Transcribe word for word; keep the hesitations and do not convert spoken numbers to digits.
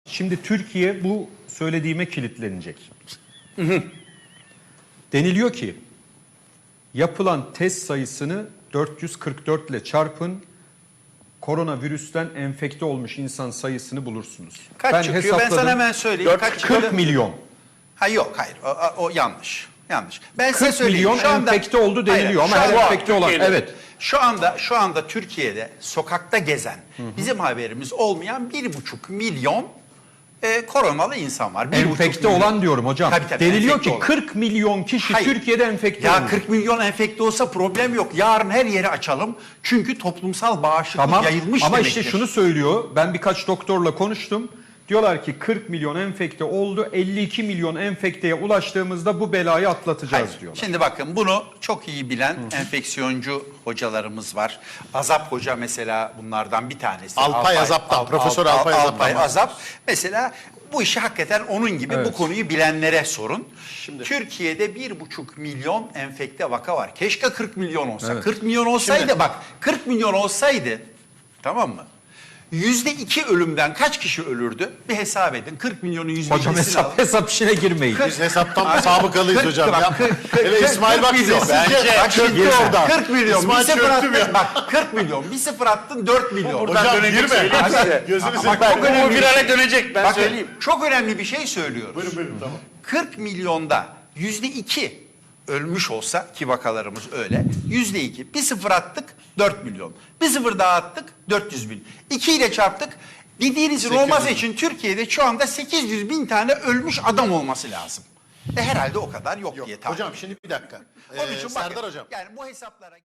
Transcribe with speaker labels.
Speaker 1: Şimdi Türkiye bu söylediğime kilitlenecek. Deniliyor ki yapılan test sayısını dört yüz kırk dört ile çarpın, koronavirüsten enfekte olmuş insan sayısını bulursunuz.
Speaker 2: Kaç
Speaker 1: ben
Speaker 2: çıkıyor?
Speaker 1: hesapladım.
Speaker 2: Ben sana hemen söyleyeyim. Kaç çıkıyor?
Speaker 1: kırk milyon.
Speaker 2: Ha yok hayır o, o, o yanlış. Yanlış. Ben size
Speaker 1: kırk
Speaker 2: söyleyeyim.
Speaker 1: milyon
Speaker 2: Şu anda,
Speaker 1: enfekte oldu deniliyor
Speaker 2: hayır,
Speaker 1: ama
Speaker 2: şu
Speaker 1: her
Speaker 2: an-
Speaker 1: enfekte olan
Speaker 2: Türkiye'de-
Speaker 1: evet.
Speaker 2: Şu anda şu anda Türkiye'de sokakta gezen, bizim haberimiz olmayan bir buçuk milyon e, koronalı insan var. Bir buçuk
Speaker 1: Enfekte
Speaker 2: milyon.
Speaker 1: olan diyorum hocam.
Speaker 2: Tabii, tabii,
Speaker 1: Deniliyor
Speaker 2: enfekte
Speaker 1: ki
Speaker 2: olan.
Speaker 1: kırk milyon kişi
Speaker 2: Hayır.
Speaker 1: Türkiye'de enfekte
Speaker 2: Ya
Speaker 1: olmuş.
Speaker 2: kırk milyon enfekte olsa problem yok. Yarın her yeri açalım. Çünkü toplumsal bağışıklık
Speaker 1: Tamam
Speaker 2: yayılmış
Speaker 1: ama
Speaker 2: demektir.
Speaker 1: işte şunu söylüyor. Ben birkaç doktorla konuştum. Diyorlar ki kırk milyon enfekte oldu. elli iki milyon enfekteye ulaştığımızda bu belayı atlatacağız
Speaker 2: Hayır.
Speaker 1: diyorlar.
Speaker 2: Şimdi bakın bunu çok iyi bilen enfeksiyoncu hocalarımız var. Azap Hoca mesela bunlardan bir tanesi.
Speaker 3: Alpay Azap'tan, Profesör Alpay Azap'tan
Speaker 2: Alpay
Speaker 3: var.
Speaker 2: Azap mesela bu işi hakikaten onun gibi
Speaker 1: Evet.
Speaker 2: bu konuyu bilenlere sorun. Türkiye'de bir buçuk milyon enfekte vaka var. Keşke kırk milyon olsa.
Speaker 1: Evet.
Speaker 2: kırk milyon olsaydı
Speaker 3: Şimdi-
Speaker 2: bak kırk milyon olsaydı tamam mı? Yüzde iki ölümden kaç kişi ölürdü? Bir hesap edin. kırk milyonun yüzde
Speaker 1: Hocam
Speaker 2: ikisini alın.
Speaker 1: hesap, hesap işine girmeyin.
Speaker 3: Biz hesaptan sabıkalıyız
Speaker 2: kırk-
Speaker 3: hocam.
Speaker 2: bak,
Speaker 3: Ya.
Speaker 2: kırk- kırk-
Speaker 3: Hele
Speaker 2: kırk-
Speaker 3: İsmail bak
Speaker 2: kırk
Speaker 3: bize.
Speaker 2: milyon.
Speaker 3: Bence
Speaker 2: Bak şimdi
Speaker 3: çöktü oradan.
Speaker 2: kırk milyon.
Speaker 3: İsmail
Speaker 2: bir sıfır
Speaker 3: çöktüm
Speaker 2: attın.
Speaker 3: ya.
Speaker 2: Bak kırk milyon. Bir sıfır attın dört milyon.
Speaker 3: Hocam girme. Gözünü
Speaker 2: Ama
Speaker 3: seveyim.
Speaker 2: çok önemli
Speaker 4: Bu
Speaker 2: bir
Speaker 4: virale
Speaker 2: şey.
Speaker 4: dönecek ben
Speaker 2: Bakın,
Speaker 4: söyleyeyim.
Speaker 2: çok önemli bir şey söylüyoruz.
Speaker 3: Buyurun buyurun tamam.
Speaker 2: kırk milyonda yüzde iki ölmüş olsa ki vakalarımız öyle. Yüzde iki. Bir sıfır attık dört milyon. Bir sıfır daha attık dört yüz bin. İki ile çarptık. Dediğinizin olması için Türkiye'de şu anda sekiz yüz bin tane ölmüş adam olması lazım. E herhalde o kadar yok, diye tahmin
Speaker 3: Hocam şimdi bir dakika.
Speaker 2: Onun
Speaker 3: Ee,
Speaker 2: için bakın,
Speaker 3: Serdar hocam.
Speaker 2: yani bu hesaplara